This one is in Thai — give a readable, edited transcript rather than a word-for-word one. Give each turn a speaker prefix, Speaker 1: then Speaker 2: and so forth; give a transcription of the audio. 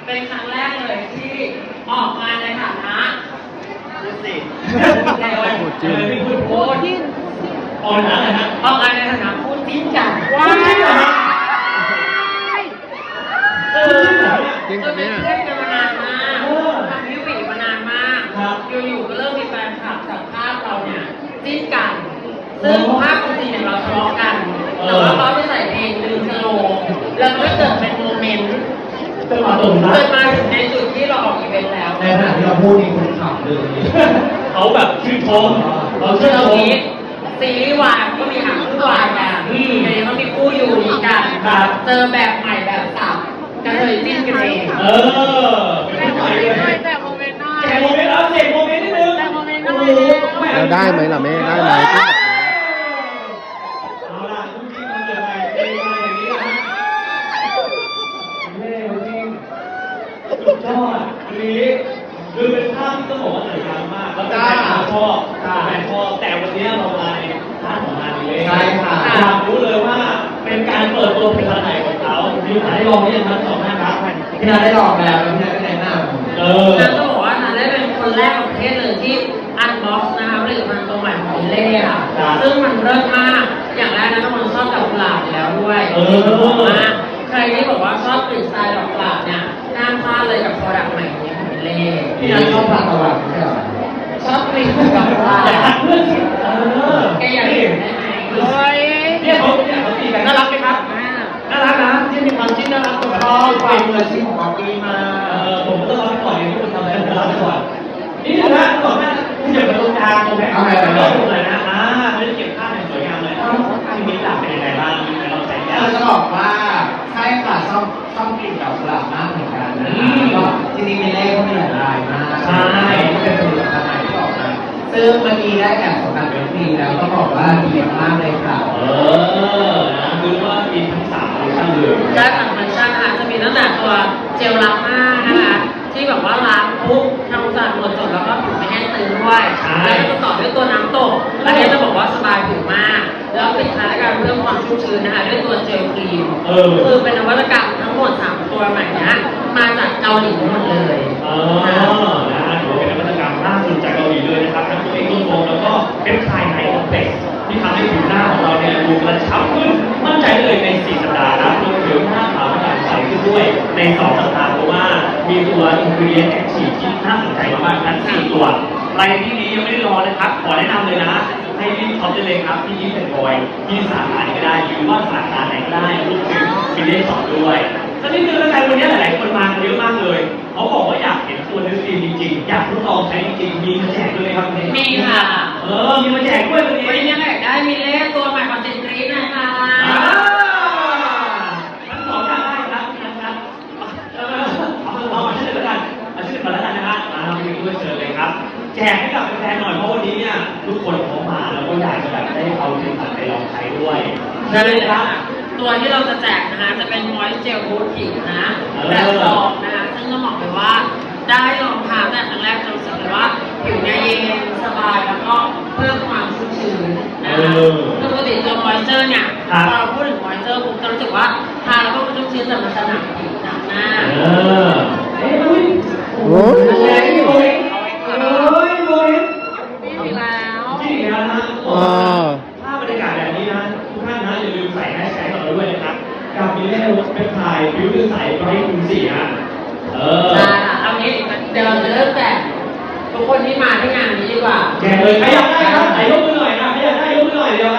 Speaker 1: เป็นครั้งแรกเลยที่ออกมาในฐานะ
Speaker 2: พูดสิ
Speaker 1: พูดจริงพูดจริง
Speaker 2: ออกมาอะไรฮะ
Speaker 1: ออกมาในฐานะพูดจริงกัน
Speaker 2: ว้าว
Speaker 1: จริงแบบนี้เล่นกันมานานมากทำวิวมานานมากอยู่ๆก็เริ่มมีแฟนคลับจากภาพเราเนี่ยจิ้นกันซึ่งภาพจริงๆเนี่ยเราทะเลาะกันแต่ว่าเขาไปใส่เพลงดึงสโลว์แล้วก็เกิดเป็นโมเมนต์เกิดมาถึงในจุดที่เราออกอีเวนต์แล้ว
Speaker 2: ในขณะที่เราพูดนี่คนขับเลยเขาแบบชื่นชมเราชื่นชม
Speaker 1: ซีรีส์วายก็มีหางคู่วายกันในนี้ก็มีคู่อยู่นี้กันเจอแบบใหม่แบบสับกันเลยจิ้นกันเอง
Speaker 2: แจกโมเมนต์หน่อยแจกโมเมนต์แล้วเสกโมเมนต์นิดนึง
Speaker 3: แจกโมเมนต์หน่อยแล้วได้ไหมล่ะแม่ได้ไหม
Speaker 2: เอาล่ะทุกทีมันเกิดอะไรเป็นมาอย่างนี้นะเล่จริงสุดยอดนี้คือเป็นภาพที่ต้องบอกว่าสวยงามมากแล้วเป็นแฟนชอบแต่วันนี้เรามาในร้านของงานนี้เลยใช่ค่ะอยากรู้เลยว่าเป็นการเปิดตัวผลิตภัณฑ์ไหนของเขามีโอกาสได้ลองหรือยังครับสองท่านครับพี่นาได้ลองแล้วพี่นาก็แนะนำ
Speaker 1: นันก็บอกว่านันได้เป็นคนแรกของประเทศเลยที่อันบ็อกซ์นะคะผลิตภัณฑ์ตัวใหม่ของเล่ค่ะซึ่งมันเลิศมากอย่างแรกนะทุกคนชอบดอกกุหลาบอยู่แล้วด้วยใครที่บอกว่าชอบกลิ่นสไตล์ดอกกุหลาบเนี่ยห้ามพลาดเลยกับโปรดักต์ใหม่นี้ของเล่
Speaker 2: พี่นันชอบดอกกุหลาบใช่ไหม
Speaker 1: ชอบกลิ่นดอกกุหลาบ
Speaker 2: อยากทักเพื่อนสิ
Speaker 1: แกอยากเห็นได้ไหม
Speaker 2: เนี่ยเขาตีกันน่ารักไหมครับน่ารักนะที่มีความจิ้นน่ารักตัวพ่อความมืออาชีพของเราปีมาผมก็ต้องรับก่อนอย่างที่คุณทำอะไรผมรับก่อนนี่นะก่อนหน้าที่จะมาตรงกลางตรงไหนเอาไปเลยนะไม่ได้เก็บภาพอย่างสวยงามเลยที่มีหลักเป็นยังไงบ้างเราใช้ยาจะบอกว่าใช่ค่ะชอบกลิ่นดอกกุหลาบมากเหมือนกันนะก็จริงๆมีเลขก็มีหลายลายมากใช่ก็เป็นผลิตภัณฑ์ใหม่ที่ออกมาซึ่งเมื่อกี้ได้แอบของการเป็นฟรีแล้วก็บอกว่าดีมากเลยค่ะนะคือว่ามีทั้ง3ฟังก์ชันเลย
Speaker 1: ได้3ฟังก์ชันค่ะจะมีตั้งแต่ตัวเจลล้างหน้านะคะที่แบบว่าล้างปุ๊บทำความสะอาดหมดจดแล้วก็ผิวไม่แห้งตึงด้วยแล้วก็ต่อด้วยตัวน้ำตกอันนี้จะบอกว่าสบายผิวมากแล้วปิดท้ายด้วยการเพิ่มความชุ่มชื้นนะคะด้วยตัวเจลครีมคือเป็นนวัตกรรมทั้งหมด3ตัวใหม่นะมาจากเกาหลีหมดเลย
Speaker 2: นะถือว่าเป็นนวัตกรรมล่าสุดจากเกาหลีเลยนะครับทั้งตัวเองตัวโฟมแล้วก็เป็นคลายไนท์ออฟเฟกซ์ที่ทำให้ผิวหน้าของเราเนี่ยดูกระชับขึ้นมั่นใจเลยใน4สัปดาห์นะรวมถึงหน้าขาวกระจ่างใสขึ้นด้วยใน2สัปดาห์เพราะว่ามีตัวอินกรีเดียนแอคทีฟที่น่าสนใจมากๆทั้ง4ตัวใครที่นี้ยังไม่ได้รอนะครับขอแนะนำเลยนะให้รีบช็อปได้เลยครับที่ยิ้มเป็นบอยที่สาขาไหนก็ได้หรือว่าสาขาไหนก็ได้รวมถึงมีเลขสองด้วยสักนิดนึงแล้วกันวันนี้หลายๆคนมาเยอะมากเลยเขาบอกว่าอยากเห็นตัวนิสตีนจริงๆอยากทดลองใช้จริงๆมีมาแจกด้วยครับ
Speaker 1: มีค่ะ
Speaker 2: มีมาแจกด้วย
Speaker 1: วันนี้ยังไงได้มีเลขตัวใหม่ของเจนกรีนนะคะ
Speaker 2: ทั้งสองอย่างได้ครับนะครับเอามาชื่อแล้วกันเอาชื่อมาแล้วกันนะฮะมีด้วยเชิญเลยครับแจกให้กับแฟนๆหน่อยเพราะวันนี้เนี่ยทุกคนเขามาแล้วก็อยากจะแบบได้เอาผลิตภัณฑ์ไปลองใช้ด้วย
Speaker 1: ใช่เลยครับตัวที่เราจะแจกนะคะจะเป็นมอยส์เจลบูทผิวนะแบบซองนะคะซึ่งต้องบอกเลยว่าได้ลองทาแต่ครั้งแรกจะรู้สึกเลยว่าผิวเนี่ยเย็นสบายแล้วก็เพิ่มความชุ่มชื้นนะคะปกติตัวมอยเจอร์เนี่ยพอเราพูดถึงมอยเจอร์ปุ๊บจะรู้สึกว่าทาแล้วก็ชุ่มชื้นแต่มันจะหนักผิวหนักหน้า
Speaker 3: โอ้ย
Speaker 1: อีกแล้ว
Speaker 2: ภาพบรรยากาศแบบนี้นะทุกท่านนะอย่าลืมใส่แฮชแท็กของเราด้วยนะครับกับมีเลขเป็นถ่ายผิวใสไบรท์คูณ4ฮะ
Speaker 1: เอางี้เดี๋ยวเราจะเริ่มแจกทุกคนที่มาที่งานนี้ดีกว่า
Speaker 2: แจกเลยใครอยากได้ครับไหนยกมือหน่อยนะใครอยากได้ยกมือหน่อยเดียว